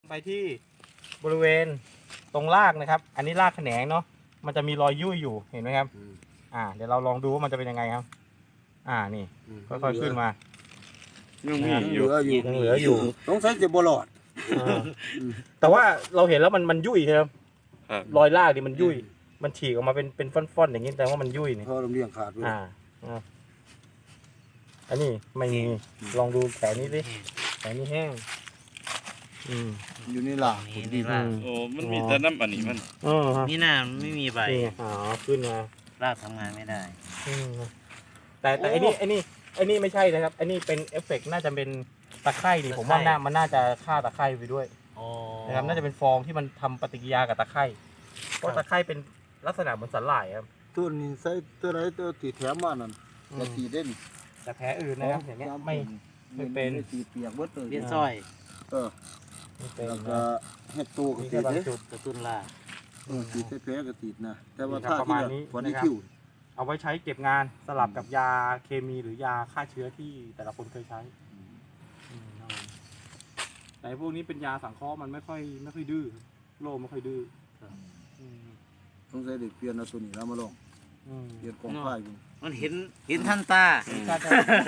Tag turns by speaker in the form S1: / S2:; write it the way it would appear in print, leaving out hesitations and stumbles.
S1: ไปที่บริเวณตรงรากนะครับ อันนี้รากแขนงเนาะมันจะมีรอยยุ่ยอยู่เห็นไหมครับเดี๋ยวเราลองดูว่ามันจะเป็นยังไงครับนี่ค่อยๆขึ้นมา
S2: ยังมี
S1: ยัง
S2: อยู่
S1: เหลืออยู่
S3: สงสัยจะบ่รอด
S1: แต่ว่าเราเห็นแล้วมันยุ่ยครับ
S2: ครับ
S1: รอยรากดิมันยุ่ยมันฉีกออกมาเป็นฟ่อนๆอย่างนี้แต่ว่ามันยุ่ยนี่
S3: เพราะลำเลียงขาดด้วย
S1: อันนี้ไม่มีลองดูแขนนี้สิแขนนี้แห้ง
S3: อยู่ในหล่าง
S4: นี่นี่ราก
S2: โอ้มันมีแต่น้ำอันนี้มัน
S4: นี่น่าไม่มีใบ
S1: นี่ขึ้นมาร
S4: ากทำงานไม่ได้
S1: แต่ไอ้นี่ไม่ใช่นะครับไอ้นี่เป็นเอฟเฟกต์น่าจะเป็นตะไคร่ดิผมว่ามันน่าจะฆ่าตะไคร่ไปด้วยนะครับน่าจะเป็นฟองที่มันทำปฏิกิริยากับตะไคร่เพราะตะไคร่เป็นลักษณะเหมือนสาหร่ายครับ
S3: ตัวนี้ใส่ตัวไหนตัวที่แถมมานั่นจะสีเด่น
S1: แต่แผลอื่นนะครับอย่างเงี้ยไม่เป็น
S3: สีเปียกเบิดเลย
S4: เลี้ยนสร้อย
S1: ไม่เป็น
S3: แล้วก็เฮ็ดตัวก็
S1: มี
S3: ติ
S1: แค่
S3: ด
S1: บาง
S3: เด้
S1: จุด
S4: กระตุ้นราก
S3: สีใส่แผลก็ติดนะแต่ว่า
S1: นี่ครับ
S3: ถ้า
S1: ประมาณนี้
S3: พอนี้
S1: นะครับ
S3: คิว
S1: เอาไว้ใช้เก็บงานสลับกับยาเคมีหรือยาฆ่าเชื้อที่แต่ละคนเคยใช้ครับผมแต่พวกนี้เป็นยาสังเคราะห์มันไม่ค่อยดื้อโรคไม่ค่อยดื้อ
S3: สงสัยเด็กเปลี่ยนเอาตัวนี้แล้วมาลองเปลี่ยนกองไฟ
S4: มันเห็นทันตา
S1: ก็จะ